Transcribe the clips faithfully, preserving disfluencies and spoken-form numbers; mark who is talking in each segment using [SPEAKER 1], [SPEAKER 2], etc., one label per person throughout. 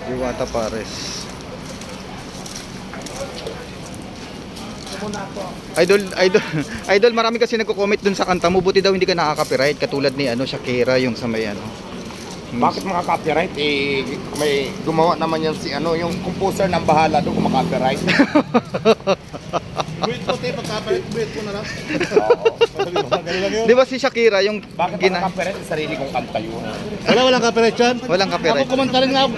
[SPEAKER 1] Diwata Pares. Idol, idol, idol, marami kasi nagko-comment dun sa kanta mo. Buti daw hindi ka nakaka-copyright katulad ni ano Shakira yung sa may ano.
[SPEAKER 2] Bakit mga copyright? Eh, may gumawa naman yan si ano, yung composer ng bahala doon kung copyright.
[SPEAKER 3] Wait ko tayo pag-copyright, wait ko na lang.
[SPEAKER 2] Oo.
[SPEAKER 1] Di ba si Shakira yung
[SPEAKER 2] Bakit
[SPEAKER 1] gina...
[SPEAKER 2] mga copyright? Yung sarili kong kanta yun.
[SPEAKER 3] Wala, walang copyright yan.
[SPEAKER 1] Walang copyright.
[SPEAKER 3] Ako kumanta rin nga ako.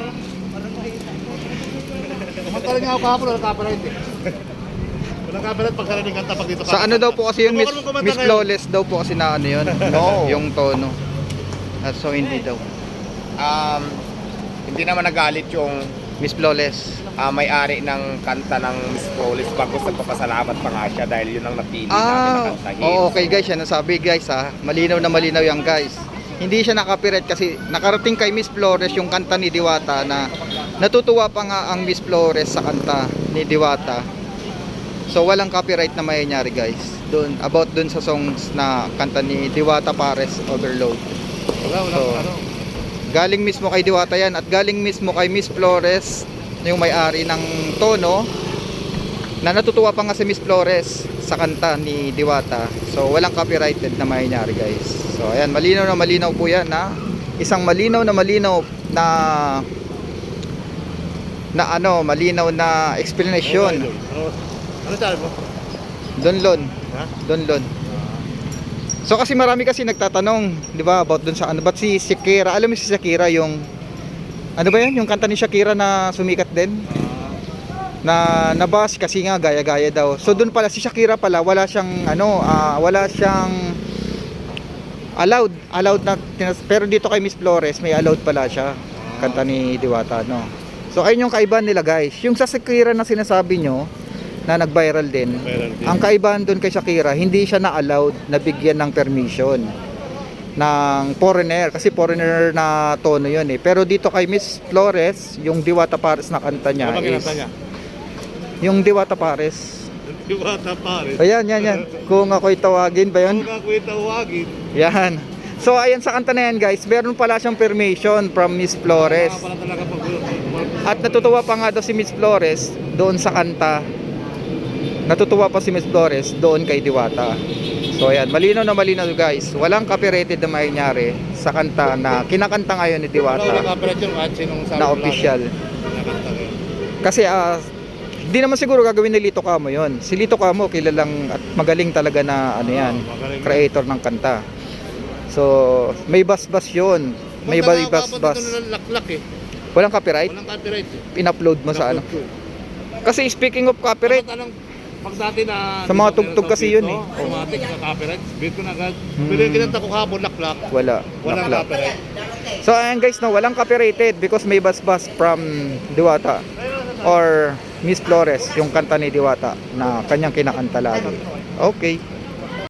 [SPEAKER 3] Kumanta rin nga ako kahapon, walang copyright eh. Walang copyright pag sariling kanta pag dito ka.
[SPEAKER 1] Sa ano daw po kasi yun, Miss,
[SPEAKER 3] Subukan mo kumanta
[SPEAKER 1] Miss
[SPEAKER 3] ngayon.
[SPEAKER 1] Flawless daw po kasi na ano yun.
[SPEAKER 2] No.
[SPEAKER 1] Yung tono. Ah, so hindi daw.
[SPEAKER 2] Um, hindi naman nagalit yung
[SPEAKER 1] Miss Flawless.
[SPEAKER 2] ah, may-ari ng kanta ng Miss Flawless bagos nagpapasalamat pa nga siya dahil yun ang napili namin
[SPEAKER 1] Ah,
[SPEAKER 2] na kantahin.
[SPEAKER 1] oh, okay guys, yan ang sabi guys ha. Malinaw na malinaw yan guys. Hindi siya nakapirate kasi nakarating kay Miss Flores yung kanta ni Diwata na natutuwa pa nga ang Miss Flores sa kanta ni Diwata. So walang copyright na mayayari guys. Doon about doon sa songs na kanta ni Diwata Pares Overload.
[SPEAKER 3] Wala, wala
[SPEAKER 1] So,
[SPEAKER 3] ano.
[SPEAKER 1] galing mismo kay Diwata yan at galing mismo kay Miss Flores yung may-ari ng tono na natutuwa pa nga si Miss Flores sa kanta ni Diwata. So walang copyrighted na mayayari guys. So ayan, malinaw na malinaw po yan na isang malinaw na malinaw na na ano, malinaw na explanation.
[SPEAKER 3] Ano, ano sabi mo?
[SPEAKER 1] Donlon,
[SPEAKER 3] Ha?
[SPEAKER 1] Donlon. So kasi marami kasi nagtatanong, 'di ba, about dun sa ano, ba't si Shakira, alam mo si Shakira yung ano ba 'yun, yung kanta ni Shakira na sumikat din? Na nabas kasi nga gaya-gaya daw. So doon pala si Shakira pala wala siyang ano, ah, wala siyang allowed, allowed na tinas- pero dito kay Miss Flores may allowed pala siya. Kanta ni Diwata, no. So ayun yung kaibahan nila, guys. Yung sa Shakira na sinasabi nyo na nag-viral din.
[SPEAKER 3] Viral din.
[SPEAKER 1] Ang kaibahan doon kay Shakira, hindi siya na-allowed na bigyan ng permission ng foreigner kasi foreigner na tono 'yun eh. Pero dito kay Miss Flores, yung Diwata Pares na kanta niya
[SPEAKER 3] Ano ba
[SPEAKER 1] is
[SPEAKER 3] kinanta niya?
[SPEAKER 1] yung Diwata Pares.
[SPEAKER 3] Diwata Pares.
[SPEAKER 1] Ayan, yan, yan. Kung ako'y tawagin ba 'yun?
[SPEAKER 3] Kung ako'y tawagin.
[SPEAKER 1] Yan. So ayan sa kanta na yan, guys, meron pala siyang permission from Miss Flores.
[SPEAKER 3] Kaya pala talaga pag...
[SPEAKER 1] At natutuwa pa nga daw si Miss Flores doon sa kanta. Natutuwa pa si Miss Flores doon kay Diwata. So ayan, malinaw na malinaw guys. Walang copyrighted na mangyayari sa kanta na kinakanta ngayon ni
[SPEAKER 3] Wala, walang
[SPEAKER 1] Diwata
[SPEAKER 3] copyright yun kahit sinong sabi
[SPEAKER 1] na
[SPEAKER 3] mo
[SPEAKER 1] official.
[SPEAKER 3] lang. Nakanta rin.
[SPEAKER 1] Kasi ah, di naman siguro gagawin ni Lito Camo yon. Si Lito Camo kilalang at magaling talaga na ano yan,
[SPEAKER 3] Ah, magaling.
[SPEAKER 1] creator ng kanta. So may bas-bas yun. May
[SPEAKER 3] Kung
[SPEAKER 1] bas-bas.
[SPEAKER 3] nakakapag dito na laklak eh.
[SPEAKER 1] Walang copyright?
[SPEAKER 3] Walang copyright eh.
[SPEAKER 1] In-upload mo sa ano?
[SPEAKER 3] Upload ko.
[SPEAKER 1] Kasi speaking of copyright,
[SPEAKER 3] Dapat anong- pag dati na...
[SPEAKER 1] Sa mga
[SPEAKER 3] dito,
[SPEAKER 1] tugtog
[SPEAKER 3] meron sa
[SPEAKER 1] kasi
[SPEAKER 3] beat,
[SPEAKER 1] yun
[SPEAKER 3] no?
[SPEAKER 1] eh.
[SPEAKER 3] Automatic sa copyright. Beat ko na agad.
[SPEAKER 1] Hmm.
[SPEAKER 3] Pero yung kinanta ko kahapon, laklak.
[SPEAKER 1] wala.
[SPEAKER 3] Walang
[SPEAKER 1] Nakla.
[SPEAKER 3] copyright.
[SPEAKER 1] So ayan guys, no, walang copyrighted because may bas-bas from Diwata or Miss Flores, yung kanta ni Diwata na kanyang kinakanta lagi. Okay.